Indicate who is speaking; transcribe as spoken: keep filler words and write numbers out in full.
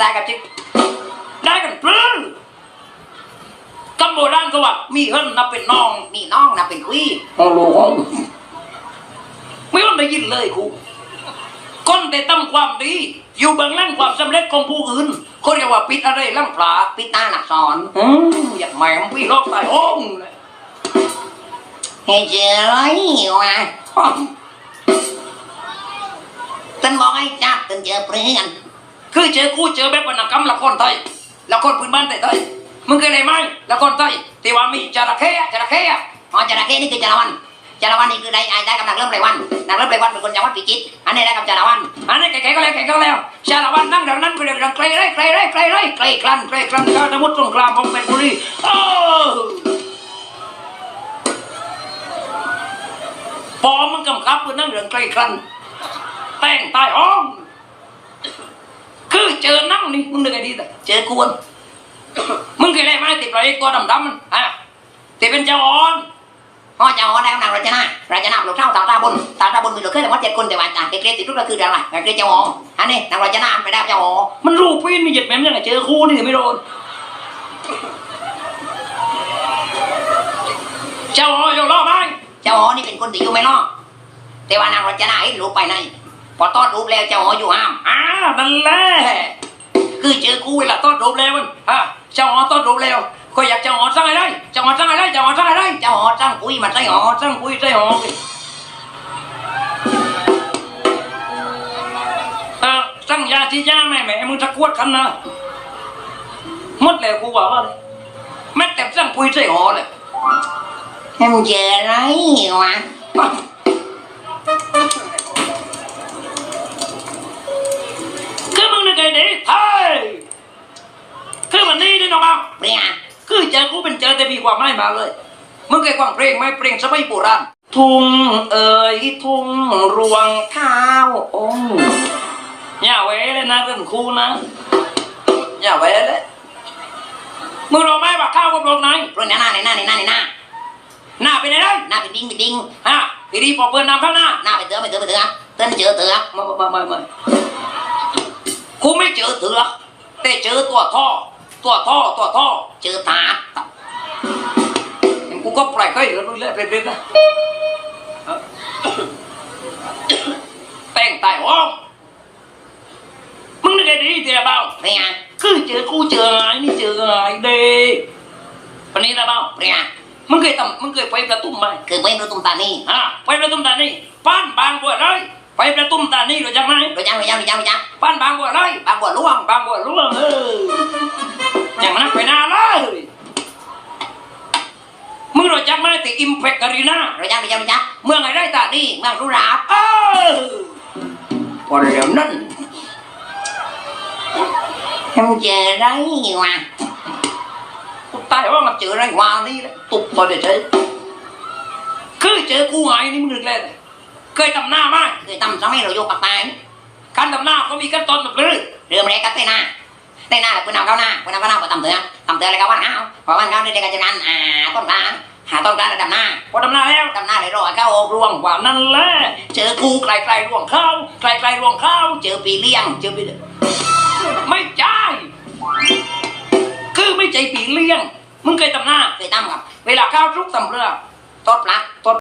Speaker 1: ตายกับจิกได้กันปลื้มคำโบราณก็ว่ามีเฮิรนนับเป็นน้องมีน้องนับเป็นคุยฮัลโหลไม่ต้องได้ยินเลยครูคนได้ทำความดีอยู่เบื้องหลังความสำเร็จของผู้อื่นเขาเรียกว่าปิดอะไรล่างผาปิดตาหนักสอนอืมอยากแหม่มพี่รอบตายโอ้งเลยเฮ้ยเจ๋ยว่ะตันบอกให้จับตันเจอเพื่อนคือเจอคู่เจอแบบวรรณกรรมละครไทยละครพื้นบ้านไทยมึงเคยได้ไหมละครไทยที่ว่ามีจระเข้จระเข้อ๋อจระเข้นี่คือจระวันจระวันนี่คือได้ได้กับนักเริ่มไรวันนักเริ่มไรวันเป็นคนจังหวัดพิจิตรอันนี้ได้กับจระวันอันนี้แก่ๆก็แล้วแก่ๆก็แล้วจระวันนั่งเดี๋ยวนั้นไปเดี๋ยวไกลไรไกลไรไกลไรไกลคลันไกลคลันข้าวสมุทรสงครามพงเพชรบุรีโอ้พอมึงกำกับมึงนั่งเรื่องไกลคลันแต่งตายอ้อมคือเจอนั่งนี่มึงนึกไงดีแต่เจอกวนมึงเคยได้ไหมติดไรตัวดำดำมันฮะติดเป็นเจ้าอ่อนอ๋อเจ้าอ่อนได้กำลังราชนาราชนาหลวงเท่าตาตาบนตาตาบนมีหลวงเคยแต่ว่าเจ็ดคนแต่ว่าจากเกรดติดรูปก็คืออะไรเกรดเจ้าอ่อนอันนี้นางราชนาไปได้เจ้าอ่อนมันรูปปีนมีเหยียดแม่ยังไงเจอคู่นี่ไม่โดนเจ้าอ่อนอยู่รอไหมเจ้าอ่อนนี่เป็นคนที่อยู่ไม่รอแต่ว่านางราชนาเห็นรูปไปในพอต้อนรูปแล้วเจ้าอ่อนอยู่ห้ามอ่านั่นแหละคือเจอคู่เวลาต้อนรูปแล้วมันฮะเจ้าอ่อนต้อนรูปแล้วก็อยากเจ้าอ่อนสร้างอะไรเจ้าอ่อนสร้างอะไรเจ้าอ่อนสร้างอะไรเจ้าอ่อนสร้างปุ๋ยมันใส่หอสร้างปุ๋ยใส่หอเออสร้างยาที่ยาแม่แม่มึงตะกวดกันนะหมดแล้วกูว่าว่าเลยแม่แต่สร้างปุ๋ยใส่หอเลยให้มึงเจออะไรวะคือมึงนึกไงดิเฮ้ยคือมันนี่นี่น้องเอาเนี่ยคือเจอกูเป็นเจอแต่มีความไม่มาเลยมึงเคยฟังเพลงไหมเพลงสมัยโบราณทุ่งเอ๋ยทุ่งรวงข้าวองอย่าเว้เลยนะเรื่องครูนะอย่าเว้เลยมึงรู้ไหมว่าข้าวกับลงไหนเพื่อนหน้าในหน้าในหน้าในหน้าหน้าเป็นไงได้หน้าเป็นดิ้งเป็นดิ้งฮะพี่ดีพอเพื่อนนำข้างหน้าหน้าเป็นเถื่อเป็นเถื่อเป็นเถื่อเต้นเจอเถื่อไม่ไม่ไม่ไม่กูไม่เจอเถื่อแต่เจอตัวท่อตัวท่อตัวท่อเจอตากูก็ปล่อยค่อยเหลือนู่นเลยเป็นๆนะแต่งตายห้องมึงนึกไงดีเดี๋ยวเบาเนี่ยคือเจอกูเจอไงนี่เจอไงเด็กวันนี้นะเบาเนี่ยมึงเคยทำมึงเคยไปประตุ้มไหมเคยไปประตุ้มตานี่อ่ะไปประตุ้มตานี่ป้านบางบัวเลยไปประตุ้มตานี่รู้จักไหมรู้จักรู้จักรู้จักรู้จักป้านบางบัวเลยบางบัวล่วงบางบัวล่วงเอออย่างนั้นไปนานเลยมึงรู้จักไหมแต่อิมแพคการีนารู้จักรู้จักรู้จักเมืองอะไรตานี่เมืองรุราบเออพอเดี๋ยวนั้นทำเจอไรวะตายว่ามันเจอไรวะนี่แหละตุกพอเดี๋ยวเจอคือเจอกูไงนี่มึงนึกเลยเคยทำหน้าไหมเคยทำสมัยเราโยกปากตายการทำหน้าเขามีขั้นตอนแบบนี้เรื่องแรกก็เต้นหน้าเต้นหน้าคุณนำเข้าหน้าคุณนำเข้าหน้าพอทำเถื่อทำเถื่ออะไรก็วันเขาพอวันเขาได้กันจากนั้นอ่าต้นกลางหาต้นกลางแล้วดำหน้าพอดำหน้าแล้วดำหน้าเลยรอเข้าอกรวงกว่านั่นแหละเจอกูไกลไกลรวงเข้าไกลไกลรวงเข้าเจอปีเลี้ยงเจอปีไม่ใช่คือไม่ใจปีเลี้ยงมึงเคยทำหน้าเคยทำกับเวลาข้าวทุกตำเรือต้นปลักต้น